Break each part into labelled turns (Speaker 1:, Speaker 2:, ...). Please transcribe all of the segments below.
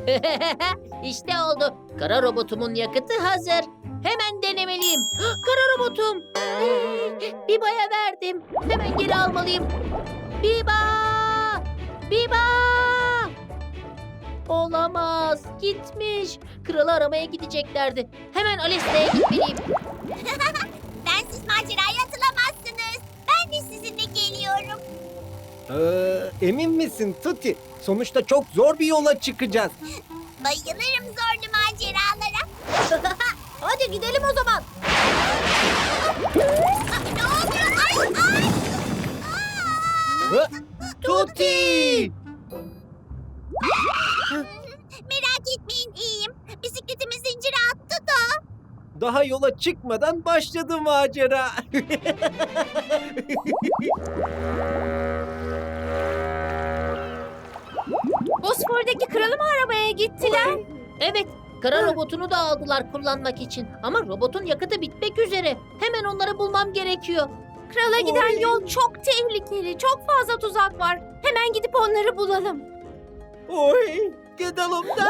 Speaker 1: İşte oldu. Kara robotumun yakıtı hazır. Hemen denemeliyim. Kara robotum. Biba'ya verdim. Hemen geri almalıyım. Biba! Biba! Olamaz. Gitmiş. Kralı aramaya gideceklerdi. Hemen Alesta'ya gitmeliyim.
Speaker 2: Bensiz maceraya atılamazsınız. Ben de sizinle geliyorum.
Speaker 3: Emin misin Tuti? Sonuçta çok zor bir yola çıkacağız.
Speaker 2: Bayılırım zorlu maceralara.
Speaker 1: Hadi gidelim o zaman.
Speaker 2: Ne oluyor? Ay ay!
Speaker 3: Hı? Tuti!
Speaker 2: Merak etmeyin iyiyim. Bisikletimi zincire attı da.
Speaker 3: Daha yola çıkmadan başladı macera.
Speaker 4: Bosfor'daki kralı mı aramaya gittiler?
Speaker 1: Evet, kara robotunu da aldılar kullanmak için. Ama robotun yakıtı bitmek üzere. Hemen onları bulmam gerekiyor.
Speaker 4: Krala giden yol çok tehlikeli, çok fazla tuzak var. Hemen gidip onları bulalım.
Speaker 3: Oy, gidelim de.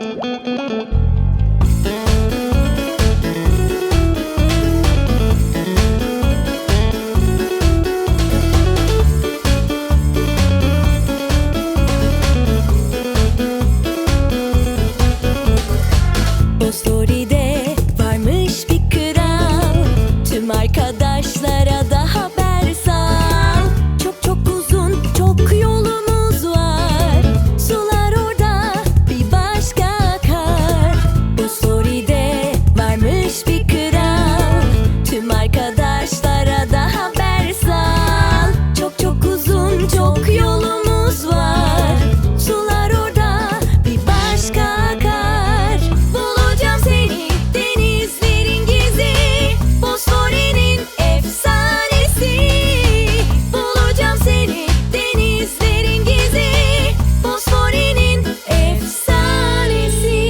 Speaker 5: Bostori'de varmış bir kral. Tüm arkadaşlara da haber sal. Çok çok uzun, çok yolumuz var. Sular orada bir başka akar. Bostori'de varmış bir kral. Tüm arkadaşlara da haber sal. Çok çok uzun, çok yolumuz var. Sular orada bir başka akar. Bulacağım seni denizlerin gizli. Bosfor'un efsanesi. Bulacağım seni denizlerin gizli. Bosfor'un efsanesi.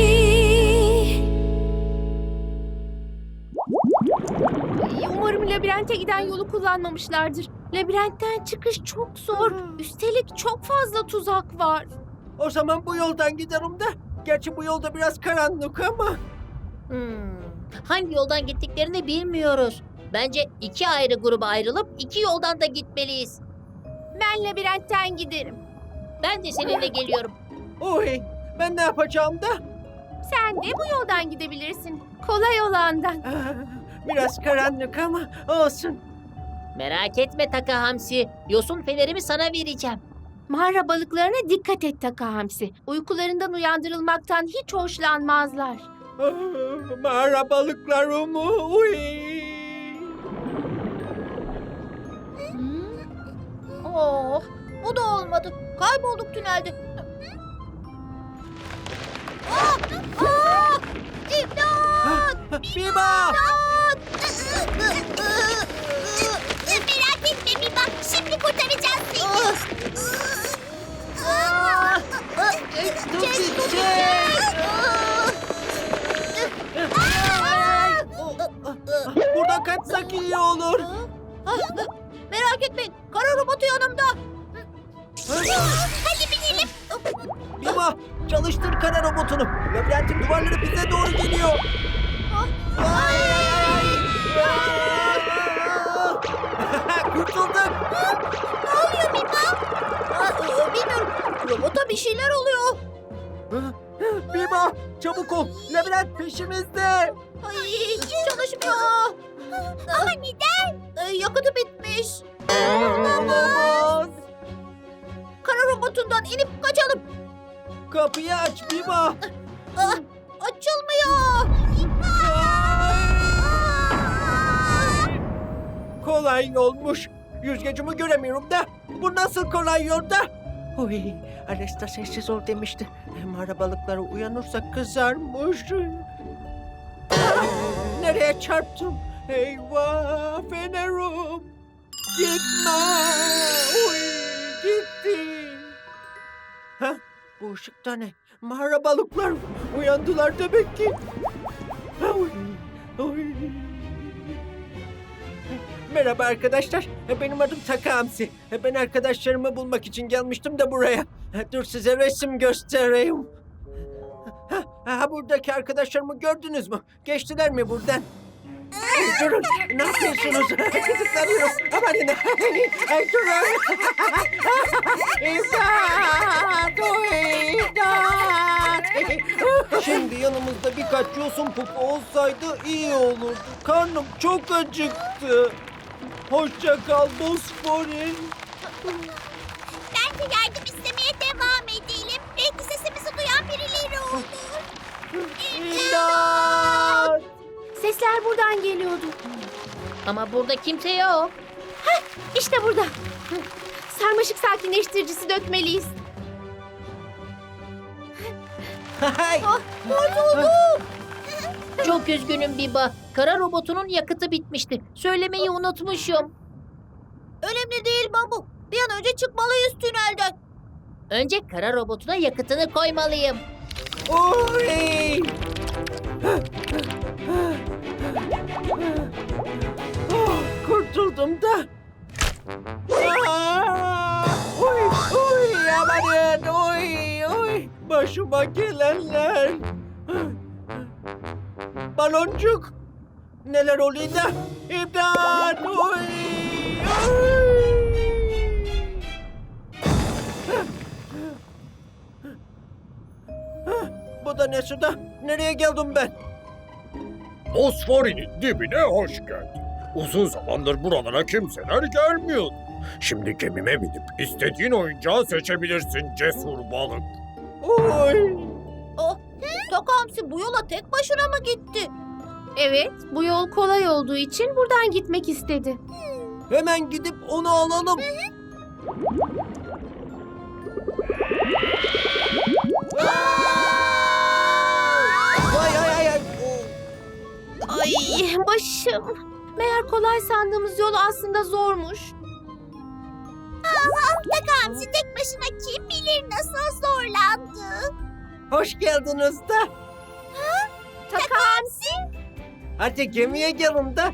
Speaker 4: Umarım labirente giden yolu kullanmamışlardır. Labirentten çıkış çok zor. Üstelik çok fazla tuzak var.
Speaker 3: O zaman bu yoldan giderim de. Gerçi bu yolda biraz karanlık ama.
Speaker 1: Hangi yoldan gittiklerini bilmiyoruz. Bence iki ayrı gruba ayrılıp iki yoldan da gitmeliyiz.
Speaker 4: Ben labirentten giderim.
Speaker 1: Ben de seninle geliyorum.
Speaker 3: Oy, ben ne yapacağım da?
Speaker 4: Sen de bu yoldan gidebilirsin. Kolay olandan.
Speaker 3: Biraz karanlık ama olsun.
Speaker 1: Merak etme Taka Hamsi. Yosun fenerimi sana vereceğim.
Speaker 4: Mağara balıklarına dikkat et Taka Hamsi. Uykularından uyandırılmaktan hiç hoşlanmazlar.
Speaker 3: Mağara balıkları mı? Uy.
Speaker 1: Oh, bu da olmadı. Kaybolduk tünelde.
Speaker 3: Biba!
Speaker 2: Merak etme Biba. Şimdi kurtaracağız seni.
Speaker 3: Tuti, çek! Buradan kaçsak iyi olur.
Speaker 1: Merak etmeyin. Kara robotu yanımda.
Speaker 2: Hadi binelim.
Speaker 3: Biba, çalıştır kara robotunu. Labirentin duvarları bize doğru geliyor. Kurtulduk.
Speaker 2: Ne oluyor Biba?
Speaker 1: Bilmiyorum. Robota bir şeyler oluyor.
Speaker 3: Biba, çabuk ol. Labirent peşimizde.
Speaker 1: Ay, çalışmıyor.
Speaker 2: Ama neden?
Speaker 1: Yakıtı bitmiş.
Speaker 3: Olamaz.
Speaker 1: Kara robotundan inip kaçalım.
Speaker 3: Kapıyı aç Biba.
Speaker 1: Açılmıyor.
Speaker 3: Kolay yolmuş. Yüzgecimi göremiyorum da. Bu nasıl kolay yolda? Oy, Alesta sessiz ol demişti. Mağara balıkları uyanırsa kızarmış. Nereye çarptım? Eyvah fenerum. Gitme. Oy, gitti. Ha, bu ışıkta ne? Mağara balıklar uyandılar demek ki. Oy, oy. Merhaba arkadaşlar. Benim adım Taka Hamsi. Ben arkadaşlarımı bulmak için gelmiştim de buraya. Dur size resim göstereyim. Ha, buradaki arkadaşlarımı gördünüz mü? Geçtiler mi buradan? Durun, ne yapıyorsunuz? Gıdıklanıyoruz. Amanın. Ay, durun. İmdat! İmdat! Şimdi yanımızda birkaç yosun pupu olsaydı iyi olurdu. Karnım çok acıktı. Hoşça kal Bosfor'in.
Speaker 2: Bence yardım istemeye devam edelim. Belki sesimizi duyan birileri olur.
Speaker 3: İmdat!
Speaker 4: Sesler buradan geliyordu.
Speaker 1: Ama burada kimse yok.
Speaker 4: İşte burada. Sarmaşık sakinleştiricisi dökmeliyiz.
Speaker 3: Hay!
Speaker 1: Çok üzgünüm Biba. Kara robotunun yakıtı bitmişti. Söylemeyi unutmuşum.
Speaker 2: Önemli değil Babu. Bir an önce çıkmalıyız tünelden.
Speaker 1: Önce kara robotuna yakıtını koymalıyım.
Speaker 3: Oy! Oh, kurtuldum da. Aa! Oy, oy, amanın, oy, oy. Başıma gelenler. Baloncuk. Neler oluyor da? İmdat, oy, oy. Bu da ne suda? Nereye geldim ben?
Speaker 6: Bosfor'un dibine hoş geldin. Uzun zamandır buralara kimseler gelmiyordu. Şimdi gemime binip istediğin oyuncağı seçebilirsin cesur balık.
Speaker 3: Oy!
Speaker 2: Takamsi bu yola tek başına mı gitti?
Speaker 4: Evet, bu yol kolay olduğu için buradan gitmek istedi.
Speaker 3: Hemen gidip onu alalım. Ay ay ay ay.
Speaker 4: Ay başım. Meğer kolay sandığımız yol aslında zormuş.
Speaker 2: Takamsi tek başına kim bilir nasıl zorlandı.
Speaker 3: Hoş geldiniz de.
Speaker 2: Takamsi?
Speaker 3: Hadi gemiye gelin de.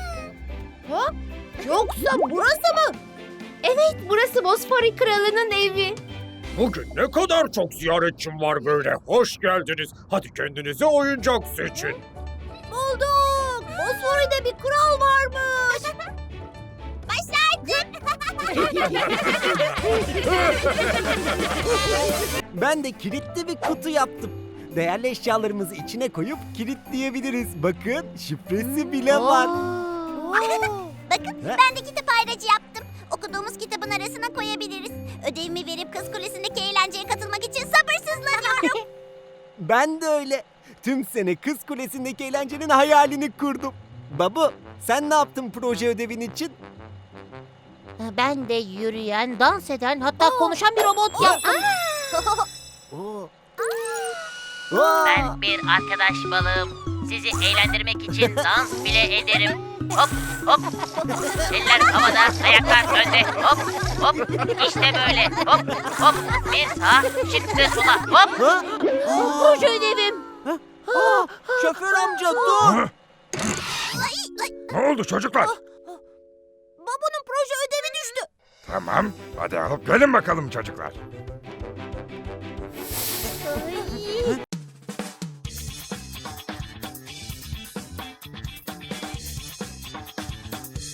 Speaker 2: Yoksa burası mı?
Speaker 4: Evet, burası Bosfori Kralı'nın evi.
Speaker 6: Bugün ne kadar çok ziyaretçim var böyle. Hoş geldiniz. Hadi kendinize oyuncak seçin.
Speaker 2: Bulduk. Bosfori'de bir kral varmış. Başardım.
Speaker 7: Ben de kilitli bir kutu yaptım. Değerli eşyalarımızı içine koyup kilitleyebiliriz. Bakın şifresi bile var.
Speaker 2: Bakın ben de kitap ayracı yaptım. Okuduğumuz kitabın arasına koyabiliriz. Ödevimi verip Kız Kulesi'ndeki eğlenceye katılmak için sabırsızlanıyorum.
Speaker 7: Ben de öyle. Tüm sene Kız Kulesi'ndeki eğlencenin hayalini kurdum. Babu, sen ne yaptın proje ödevin için?
Speaker 1: Ben de yürüyen, dans eden, hatta konuşan bir robot yaptım.
Speaker 7: Oo.
Speaker 1: Ben bir arkadaş balığım. Sizi eğlendirmek için dans bile ederim. Hop hop. Eller havada, ayaklar önde. Hop hop. İşte böyle. Hop hop. Bir sağa, şimdi sola. Hop.
Speaker 7: Ha?
Speaker 1: Proje ödevim.
Speaker 3: Aa, şoför amca dur.
Speaker 6: Ne oldu çocuklar?
Speaker 2: Babu'nun proje ödevi düştü.
Speaker 6: Tamam. Hadi alıp gelin bakalım çocuklar.